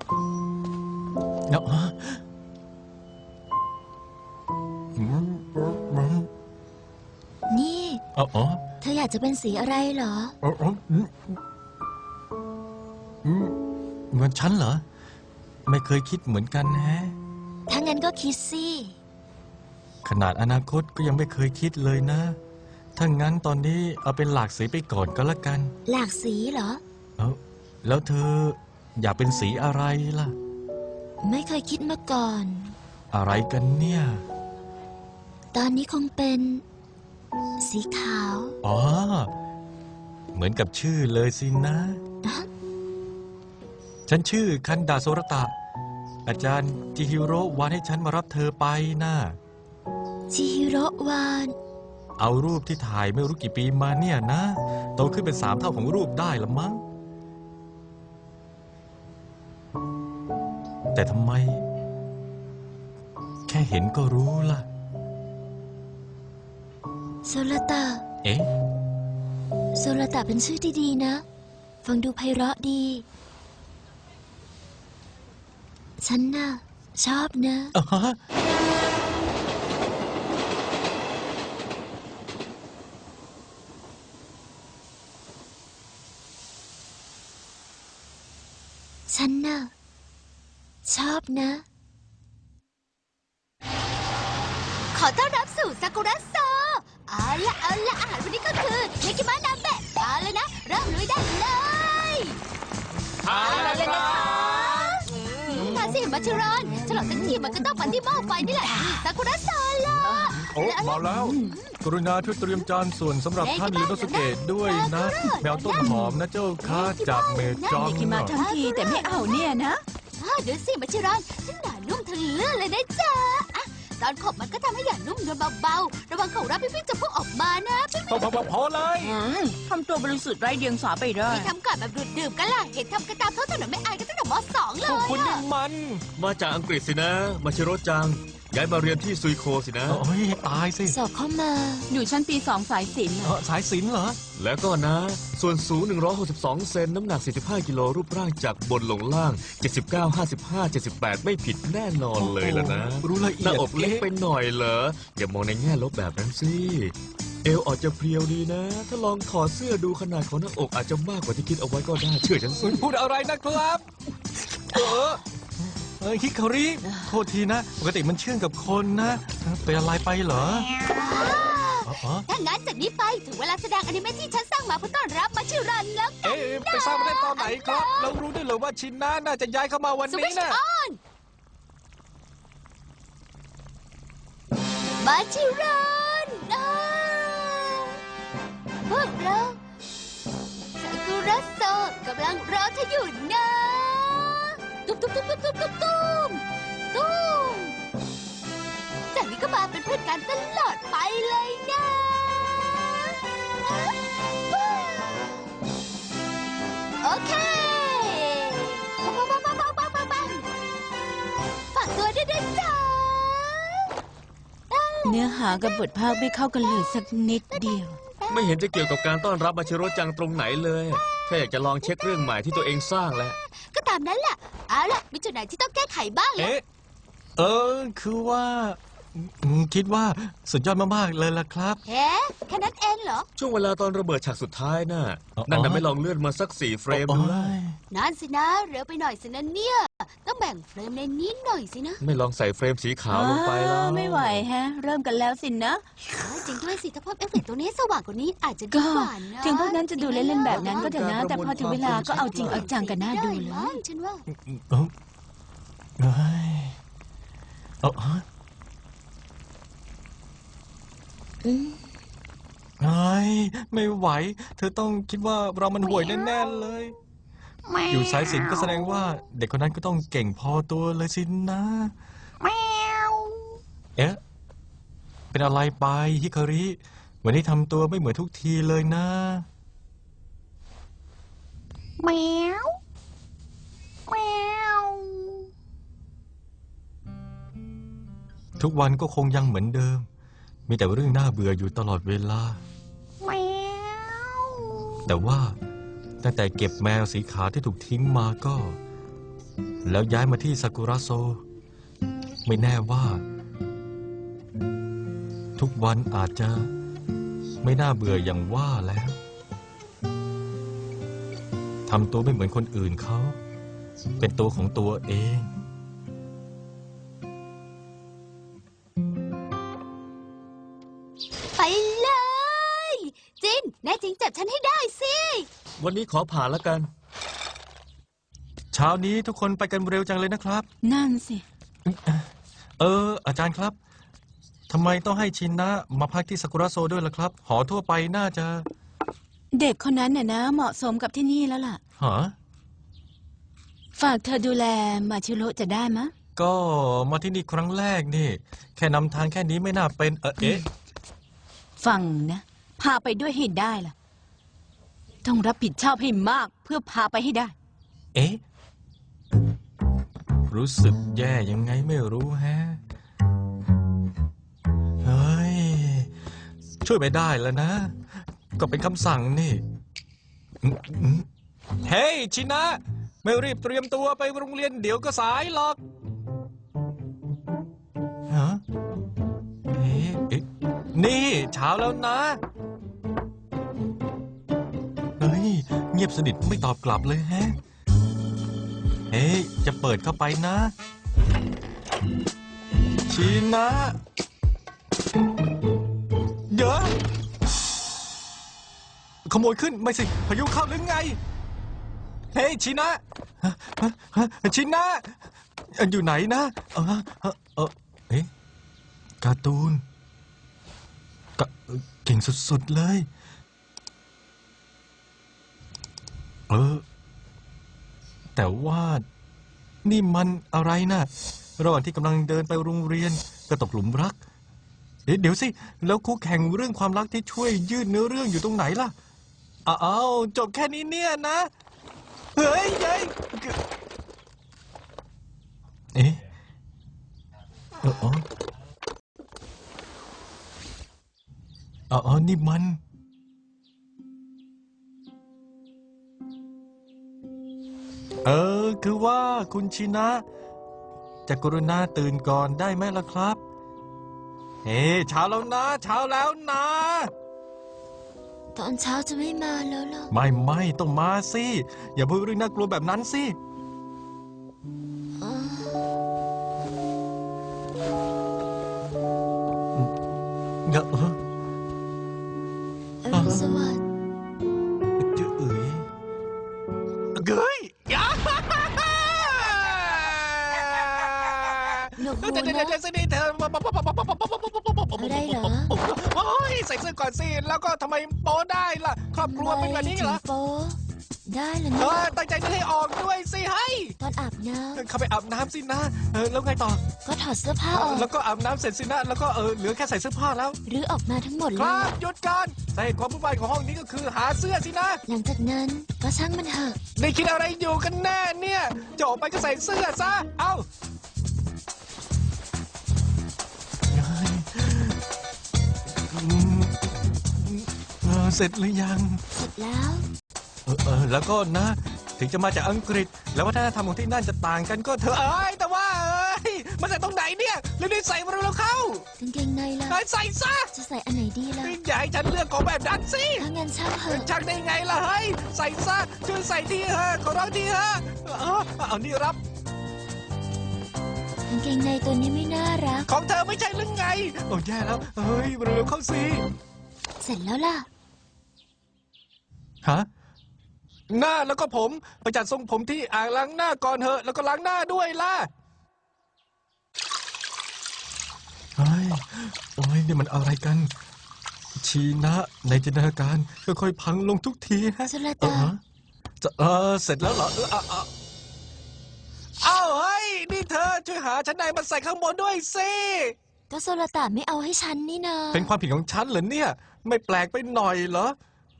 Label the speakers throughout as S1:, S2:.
S1: เนาะ
S2: นี่เธออยากจะเป็นสีอะไรเหรอ
S1: เหมือนฉันเหรอไม่เคยคิดเหมือนกันแฮะ
S2: ถ้างั้นก็คิดสิ
S1: ขนาดอนาคตก็ยังไม่เคยคิดเลยนะถ้างั้นตอนนี้เอาเป็นหลากสีไปก่อนก็แล้วกัน
S2: หลากสีเหรอ
S1: แล้วเธออยากเป็นสีอะไรล่ะ
S2: ไม่เคยคิดมาก่อน
S1: อะไรกันเนี่ย
S2: ตอนนี้คงเป็นสีขาว
S1: อ๋อเหมือนกับชื่อเลยสินะฉันชื่อคันดาโซรตะอาจารย์จิฮิโร่วานให้ฉันมารับเธอไปนะ
S2: จิฮิโร่วาน
S1: เอารูปที่ถ่ายไม่รู้กี่ปีมาเนี่ยนะโตขึ้นเป็น3 เท่าของรูปได้ละมั้งแต่ทำไมแค่เห็นก็รู้ล่ะ
S2: โซลตะโซลตะเป็นชื่อที่ดีนะฟังดูไพเราะดีฉันน่ะชอบนะฉันน่ะชอบนะ
S3: ขอต้อนรับสู่ซากุระโซเอาละอาหารวันนี้ก็คือเนกิมะนาเบะเอาเลยนะเริ่มลุยได้เลย
S4: เอาเลยนะคะ
S3: มาสิมาชิรอนฉลองทั้งทีมันก็ต้องปันที่หม้อไฟนี่แหละซากุระโซล่ะ
S1: โอ้มาแล้วกรุณาช่วยเตรียมจานส่วนสำหรับท่านลิโนสุเกะด้วยนะแมวต้นหอมนะเจ้าค่ะจากเมจอง
S4: กินมาทั้งทีแต่ไม่เอาเนี่ยนะ
S3: ดูสิมาชิรอนฉันหนานุ่มทะลื่นเลยนะจ๊ะตอนขบมันก็ทำให้หยาดนุ่มนวลเบาๆระวังเขารับพี่จะพุ่งออกมานะ
S1: พอเลย
S4: ทำตัวบริสุทธิ์ไร้เดียงสาไปได้
S3: ที่ทำก่อนแบบดื่มกันล่ะเห็นทำกันตามท้องถนนไม่อายกันตั้งแต่ม.2 เลย
S1: คุณนี่มัน
S5: มาจากอังกฤษสินะมาชิโร่จังย้ายมาเรียนที่ซุยโคสินะ
S1: โอ้ยตายสิ
S2: สอบเข้ามา
S4: อยู่ชั้นปี2สายศิลป์
S1: สายศิลป์เหรอ
S5: แล้วก็นะส่วนสูง162 เซนน้ำหนัก45 กิโลรูปร่างจากบนลงล่าง79 55 78ไม่ผิดแน่นอนเลยล่ะนะ
S1: รู้ละเอียด
S5: หน้าอกเล็กไปหน่อยเหรออย่ามองในแง่ลบแบบนั้นสิเอวอาจจะเพรียวดีนะถ้าลองถอดเสื้อดูขนาดของหน้าอกอาจจะมากกว่าที่คิดเอาไว้ก็ได้เชื่อฉันสิ
S1: พูดอะไรนะครับฮิคาริโทษทีนะปกติมันเชื่องกับคนนะเป็นอะไรไปเหรอ
S3: ถ้างั้นจากนี้ไปถึงเวลาแสดงอนิเมะที่ฉันสร้างมาเพื่อต้อนรับมาชิรันแล้ว
S1: ไปสร้างมาได้ตอนไหนครับเรารู้ได้เลยว่าชินนะน่าจะย้ายเข้ามาวันนี้นะ
S3: มาชิรันพวกเราซากุระโซกำลังรอเธออยู่นะตุ้มจากนี้ก็มาเป็นเพื่อนกันตลอดไปเลยนะโอเคฝากตัวด้วยนะจ๊ะ
S4: เนื้อหากับบทภาคไม่เข้ากันเลยสักนิดเดียว
S5: ไม่เห็นจะเกี่ยวกับการต้อนรับมาชิโร่จังตรงไหนเลยแค่อยากจะลองเช็คเรื่องใหม่ที่ตัวเองสร้างแล้ว
S3: ก็ตามนั้นแหละเอาล่ะมีจุดไหนที่ต้องแก้ไขบ้างล่ะ
S1: คือว่าคิดว่าสุดยอดมากๆเลยล่ะครับ
S3: แค่นั้นเองเหรอ
S5: ช่วงเวลาตอนระเบิดฉากสุดท้ายน่ะนั่นน่ะไม่ลองเลื่อนมาสัก4 เฟรมดู
S3: นั่นสินะเร็วไปหน่อยสินะเนี่ยต้องแบ่งเฟรมในนี้หน่อยสินะ
S5: ไม่ลองใส่เฟรมสีขาวลงไปแล้ว
S4: ไม่ไหวฮะเริ่มกันแล้วสินะ
S3: จริงด้วยสิถ้าเพิ่มเอฟเฟกต์ตัวนี้สว่างกว่านี้อาจจะดีกว่านะ
S4: ถึงพวกนั้นจะดูเล่นๆแบบนั้นก็เถอะนะแต่พอถึงเวลาก็เอาจริงเอาจังกันน่าดูเลย
S3: ฉันว่า
S1: ไม่ไหวเธอต้องคิดว่าเรามันห่วยแน่ๆเลยอยู่สายศิลป์ก็แสดงว่าเด็กคนนั้นก็ต้องเก่งพอตัวเลยสินะเป็นอะไรไปฮิคาริวันนี้ทำตัวไม่เหมือนทุกทีเลยนะทุกวันก็คงยังเหมือนเดิมมีแต่เรื่องน่าเบื่ออยู่ตลอดเวลาแต่ว่าตั้งแต่เก็บแมวสีขาวที่ถูกทิ้งมาก็แล้วย้ายมาที่ซากุระโซ ไม่แน่ว่า ทุกวันอาจจะไม่น่าเบื่ออย่างว่าแล้วทำตัวไม่เหมือนคนอื่นเขา เป็นตัวของตัวเอง
S3: ไปเลย จินแน่จริงจับฉันให้ได้สิ
S5: วันนี้ขอผ่านแล้วกัน
S1: เช้านี้ทุกคนไปกันเร็วจังเลยนะครับ
S4: นั่นสิ
S1: อาจารย์ครับทำไมต้องให้ชินนะมาพักที่ซากุระโซด้วยล่ะครับ หอทั่วไปน่าจะ
S4: เด็กคนนั้นน่ะนะเหมาะสมกับที่นี่แล้วล่ะ
S1: หา
S4: ฝากเธอดูแลมาชิโร่จะได้มะ
S1: ก็มาที่นี่ครั้งแรกนี่ แค่นำทางแค่นี้ไม่น่าเป็นเอ๊ะ
S4: ฟังนะ พาไปด้วยให้ได้ล่ะ ต้องรับผิดชอบให้มากเพื่อพาไปให้ได้
S1: เอ๊ะ รู้สึกแย่ยังไงไม่รู้แฮะ เฮ้ย ช่วยไม่ได้แล้วนะ ก็เป็นคำสั่งนี่เฮ้ยชินะ ไม่รีบเตรียมตัวไปโรงเรียนเดี๋ยวก็สายหรอกฮะเอ๊ะนี่เช้าแล้วนะ เฮ้ย เงียบสนิทไม่ตอบกลับเลยแฮะ เฮ้ย จะเปิดเข้าไปนะ ชินะ เดี๋ยวขโมยขึ้นไม่สิ พายุเข้าหรือไง เฮ้ยชินะ ชินะ อยู่ไหนนะเอ๊ะการ์ตูนเก่งสุดๆเลย แต่ว่านี่มันอะไรนะระหว่างที่กำลังเดินไปโรงเรียนก็ตกหลุมรัก เดี๋ยวสิ แล้วคู่แข่งเรื่องความรักที่ช่วยยืดเนื้อเรื่องอยู่ตรงไหนล่ะอ้าวจบแค่นี้เนี่ยนะ เฮ้ยเอ๊ะนี่มัน คือว่าคุณชินะ จะกรุณาตื่นก่อนได้ไหมล่ะครับ เฮ้เช้าแล้วนะ เช้าแล้วนะ
S2: ตอนเช้าจะไม่มาแล้วเหรอ
S1: ไม่ต้องมาสิ อย่าพูดเรื่องน่ากลัวแบบนั้นสิ
S2: อรุณสวัสดิ์
S1: จะเอ้ย
S2: หนวกหู
S1: เดี๋ยว
S2: นะ
S1: สินี่เธอ
S2: อะไรเหรอ
S1: โอ้ยใส่เสื้อก่อนสิ แล้วก็ทำไมโป๊ได้ล่ะ ครอบครัวเป็นแบบนี้เหรอ
S2: ทำไมถึงโป๊ได้เหรอเนี่ย
S1: ตั้งใจจะให้ออกด้วยสิให้
S2: ตอนอาบน้
S1: เข้าไปอาบน้ำสินะ แล้วไงต่อ
S2: ำก็ถอดเสื้อผ้าออก
S1: แล้วก็อาบน้ำเสร็จสินะ แล้วก็เหลือแค่ใส่เสื้อผ้าแล้ว
S2: หรือออกมาทั้งหมด
S1: ค
S2: เล
S1: รั
S2: ย
S1: บหยุดก่อนสาเหตุความวุ่นวายของห้องนี้ก็คือหาเสื้อสินะ
S2: หลังจากนั้นก็ช่างมันเถอะ
S1: นี่คิดอะไรอยู่กันแน่เนี่ยจะออกไปก็ใส่เสื้อซะ เอ้าเสร็จหรือยัง
S2: เสร็จแล้ว
S1: แล้วก็นะ ถึงจะมาจากอังกฤษ แล้ววัฒนธรรมของที่นั่นจะต่างกันก็เถอะแต่ว่ามันใส่ตรงไหนเนี่ยรีบๆใส่มาเร็วๆเข้าก
S2: างเกงในล่ะ
S1: ใส่ซะ
S2: จะใส่อันไหนดีล่ะ
S1: อย่าให้ฉันเลือกของแบบนั้นสิ
S2: ถ้างั้นช่างเถอะ
S1: ชักได้ไงล่ะเฮ้ยใส่ซะช่วยใส่ทีเถอะขอร้องทีเถอะเอานี่รับ
S2: กางเกงในตัวนี้ไม่น่ารัก
S1: ของเธอไม่ใช่หรือไงโอ้แย่แล้วเฮ้ยเร็วๆเข้าสิ
S2: เสร็จแล้วล่ะ
S1: ฮะหน้าแล้วก็ผมไปจัดทรงผมที่อ่างล้างหน้าก่อนเถอะแล้วก็ล้างหน้าด้วยล่ะเฮ้ยโอ้ยนี่มันอะไรกัน ชีนะในจินตนาการค่อยๆพังลงทุกทีฮะ
S2: สุรตา
S1: จะเสร็จแล้วเหรออ้าวเฮ้ยนี่เธอช่วยหาชั้นในมาใส่ข้างบนด้วยสิ
S2: ก็โซลตาไม่เอาให้ฉันนี่นา
S1: เป็นความผิดของฉันเหรอเนี่ย ไม่แปลกไปหน่อยเหรอ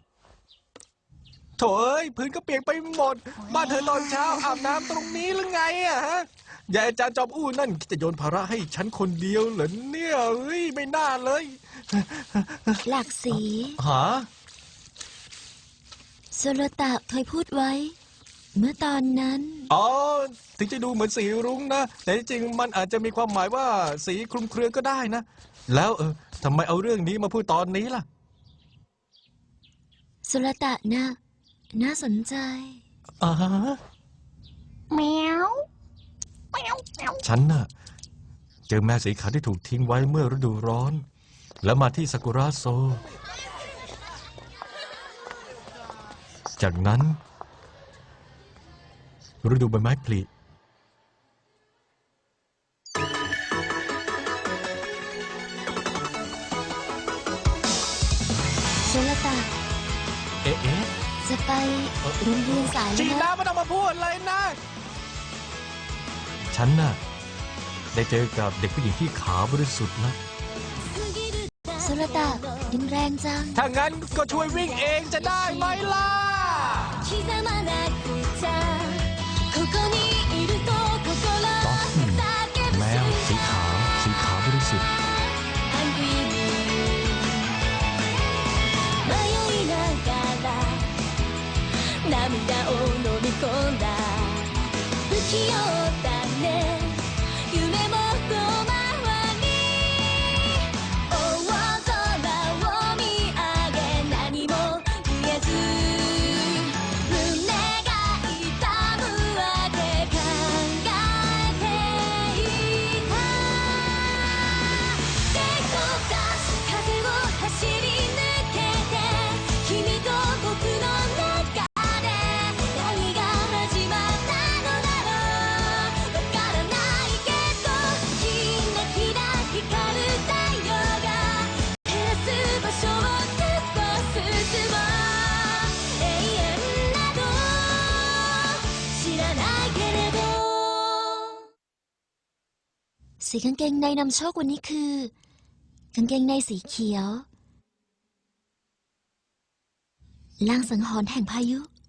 S1: โถเอ้ยพื้นก็เปียกไปหมด บ้านเธอตอนเช้าอาบน้ำตรงนี้หรือไงอะฮะยายอาจารย์จอมอู้นั่นคิดจะโยนภาระให้ฉันคนเดียวเหรอเนี่ยเฮ้ยไม่น่าเลย
S2: หลากสี
S1: หา
S2: โซลตาเคยพูดไว้เมื่อตอนนั้น
S1: อ๋อ ถึงจะดูเหมือนสีรุ้งนะ แต่ที่จริงมันอาจจะมีความหมายว่าสีคลุมเครือก็ได้นะ แล้วทำไมเอาเรื่องนี้มาพูดตอนนี้ล่ะ
S2: สุรตะนะน่าสนใจ
S1: อ่าฮะฉันน่ะ เจอแมวสีขาวที่ถูกทิ้งไว้เมื่อฤดูร้อน แล้วมาที่ซากุระโซ จากนั้นฤดูใบไม้ผลิ
S2: สุรตะ
S1: เอ๊ะ
S2: จะไปโรงเรียนสาย
S1: จี
S2: แล้ว
S1: น่า
S2: นะ
S1: ไม่ต้องมาพูดเลยนะ ฉันน่ะ ได้เจอกับเด็กผู้หญิงที่ขาวบริสุทธิ์นะ
S2: สุรตะดินแรงจัง
S1: ถ้างั้นก็ช่วยวิ่งเองจะได้ไหมล่ะ
S3: 刻まなくちゃここにいると心叫ぶ
S1: แมวสีขาว สีขาวบริสุทธิ์
S3: Angry Bee 迷いながら涙を飲み込んだ不器用だね夢も遠回り大空を見上げ何も言えず胸が痛むわけ考えていた手を出す風を走り抜けて君と僕の中で何が始まったのだろうわからないけどキラキラ光る太陽が照らす場所を突っ走進もう永遠など知らないけれど
S2: สีกางเกงในนำโชควันนี้คือ กางเกงในสีเขียว ลางสังหรณ์แห่งพายุ